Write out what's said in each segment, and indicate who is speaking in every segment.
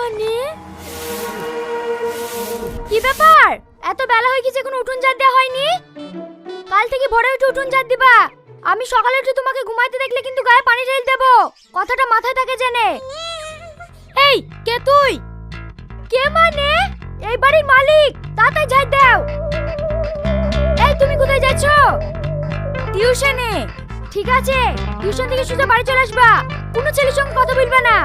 Speaker 1: মানে কি ব্যাপার? এত বেলা হয়ে গেছে এখন উঠোন ঝাড় দেওয়া হয়নি? কাল থেকে ভোরে উঠে উঠোন ঝাড় দিবা। আমি সকালে উঠে তোমাকে ঘুমাইতে দেখলে কিন্তু গায়ে পানি ঢেলে দেবো, কথাটা মাথায় থাকে জেনে। এই কে তুই? কে মানে? এই বাড়ির মালিক, তাড়াতাড়ি ঝাড় দাও। এই তুমি কোথায় যাচ্ছ? টিউশনে। ঠিক আছে, টিউশন থেকে সোজা বাড়ি চলে আসবা, কোনো ছেলের সঙ্গে কথা বলবে না।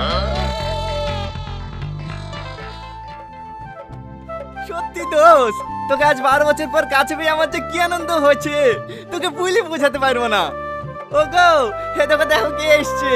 Speaker 2: সত্যি দোষ, তোকে আজ 12 বছর পর কাছে পেয়ে আমার যে কি আনন্দ হয়েছে তোকে বলে বোঝাতে পারবো না। ও গো, হে তোকে দেখো কে এসছে।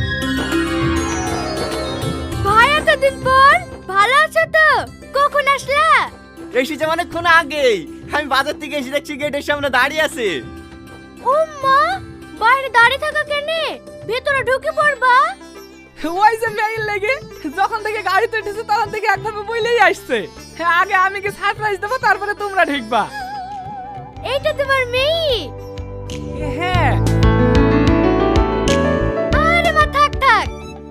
Speaker 1: ভাই এতদিন পর, ভালো আছো তো? কখন আসলা?
Speaker 2: এসেছে অনেকক্ষণ আগেই। আমি বাজার থেকে এসে দেখছি গেটের সামনে দাঁড়িয়ে আছে।
Speaker 1: ও মা, বাইরে দাঁড়িয়ে থাকা কেনে? ভেতরে ঢুকে পড়বা।
Speaker 3: ওই যে মেয়ের লেগে যখন থেকে গাড়িতে উঠেছে তখন থেকে একভাবে বইলেই আসছে। আগে আমি কি সারপ্রাইজ দেবো, তারপরে তোমরা ঢুকবা।
Speaker 1: এইটা তোমার মেয়ে?
Speaker 3: হ্যাঁ।
Speaker 1: আরে মা থাক থাক,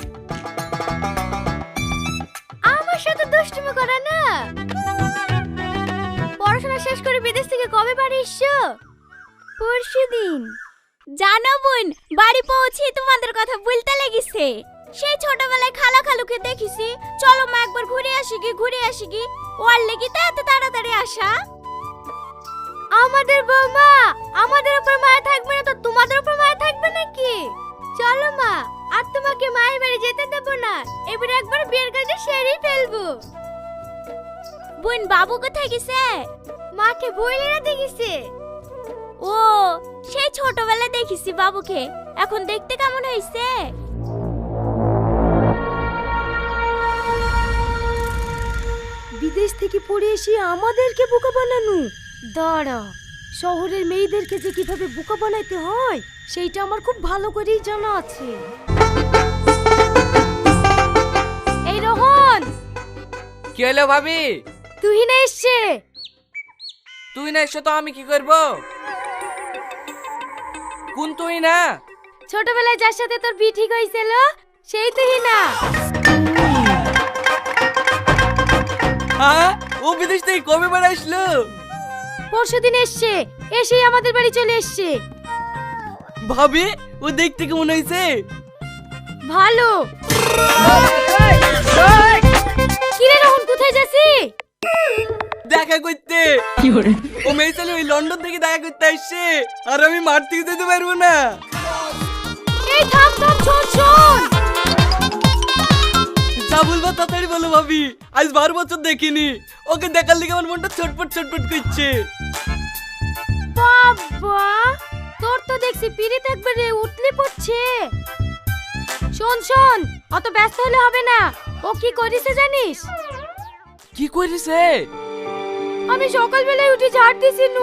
Speaker 1: আমার সাথে দুষ্টুমি করা না। পড়াশোনা শেষ করে বিদেশ থেকে কবে বাড়ি এসছো? পরশুদিন। জানো বোন, বাড়ি পৌঁছে তোমাদের কথা বলতে লেগেছে। সেই ছোটবেলায় খালা খালুকে দেখিছি, চলো মা একবার ঘুরে আসি কি ওর লেগে তো এত তাড়াতাড়ি আসা। আমাদের বৌমা আমাদের উপর মায়া থাকবে না তো তোমাদের উপর মায়া থাকবে নাকি? চলো মা, আর তোমাকে মায়ের বাড়ি যেতে দেব না, এবারে একবার বিয়ের কাজে সেরেই ফেলবো। বোন বাবু কোথায় গেছে? মাকে বইলে রাতে গেছে। ও, সেই ছোটবেলায় দেখিছি বাবুকে, এখন দেখতে কেমন হয়েছে? বিদেশ থেকে পড়ে এসে আমাদেরকে বোকা বানানো। দাঁড়া, শহরের মেয়েদেরকে যে কিভাবে বোকা বানাইতে হয় সেইটা আমার খুব ভালো করেই জানা আছে। এই রোহন।
Speaker 3: কি হলো ভাবি?
Speaker 1: তুই না এসছে?
Speaker 3: তুই না এসে তো আমি কি করব? কোন তুই না?
Speaker 1: ছোটবেলায় যার সাথে তোর বিয়ে ঠিক হয়েছিল সেই তুই না?
Speaker 3: হ্যাঁ, ও বিদেশ থেকে কবে বেড়ে আসলো?
Speaker 1: পরশুদিন এসছে, এসেই আমাদের বাড়ি চলে এসছে।
Speaker 3: ভাবি, ও দেখতে কেমন হয়েছে?
Speaker 1: ভালো। কিরে রোহন, কোথায় যাচ্ছি?
Speaker 3: দেখা করতে। ও মেয়ে ছেলে ওই লন্ডন থেকে দেখা করতে আসছে, আর আমি মাঠ থেকে যেতে পারবো না।
Speaker 1: এই থাম থাম, শোন শোন।
Speaker 3: যা বলবো তাড়াতাড়ি বলো ভাবি, আজ 12 বছর দেখিনি, ওকে দেখার লিগে আমার মনটা ছটফট করছে।
Speaker 1: বাবা, তোর তো দেখছি পিড়িত একবারে উতলে পড়ছে। শোন শোন, অত ব্যস্ত হলে হবে না। ও কি করেছে জানিস?
Speaker 3: কি করেছে?
Speaker 1: আমি সকালবেলায় উঠে ঝাড় দিছি নু।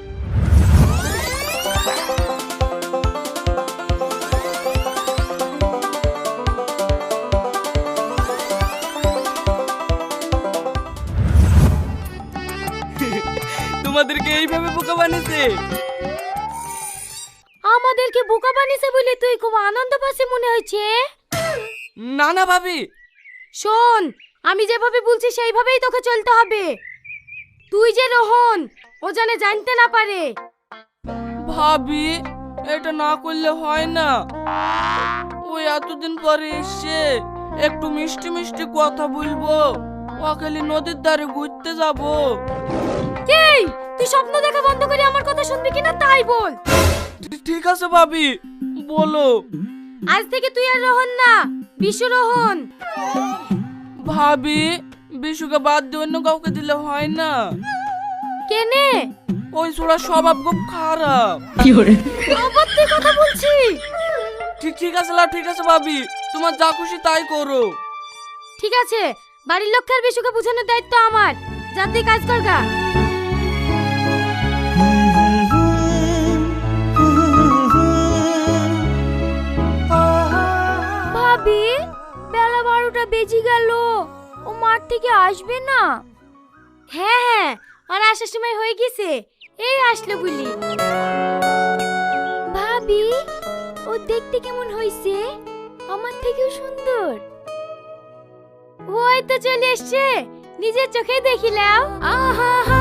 Speaker 3: তোমাদেরকে এইভাবে বোকা বানিয়েছে?
Speaker 1: আমাদেরকে বোকা বানিয়েছে বলে তুই খুব আনন্দ পাচ্ছিস মনে হয়েছে?
Speaker 3: না না ভাবি।
Speaker 1: শোন, আমি যেভাবে বলছি সেইভাবেই তোকে চলতে হবে। তুই যে রোহন, ও জানে জানতে না পারে।
Speaker 3: ভাবি, এটা না করলে হয় না। ওই এতদিন পরে এসে একটু মিষ্টি মিষ্টি কথা বলবো, ওখানে নদীর ধারে ঘুরতে যাব।
Speaker 1: এই, তুই স্বপ্ন দেখা বন্ধ করে আমার কথা শুনবি কিনা তাই বল।
Speaker 3: ঠিক আছে ভাবি, বলো।
Speaker 1: আজ থেকে তুই আর রোহন না, বিশু রোহন।
Speaker 3: ভাবি, বিশুকে বাদ দিয়ে অন্য কাউকে দিলে হয় না?
Speaker 1: কেনে?
Speaker 3: ওই ছোড়া স্বভাব খুব খারাপ।
Speaker 1: আবার তুই কথা বলছি?
Speaker 3: ঠিক আছে লাভ, ঠিক আছে ভাবি, তোমার যা খুশি তাই করো।
Speaker 1: ঠিক আছে, বাড়ির লোককে আর বিশুকে বোঝানোর দায়িত্ব আমার। যা তুই কাজ কর গা। ভাবি, বেলা 12টা বেজে গেল, ও মাঠ থেকে আসবে না? হ্যাঁ হ্যাঁ, আর আসার সময় হয়ে গেছে, এই আসলো বলি। ভাবি, ও দেখতে কেমন হইছে? আমার থেকেও সুন্দর। ওই তো চলে এসছে, নিজের চোখে দেখিলাম। আহা হা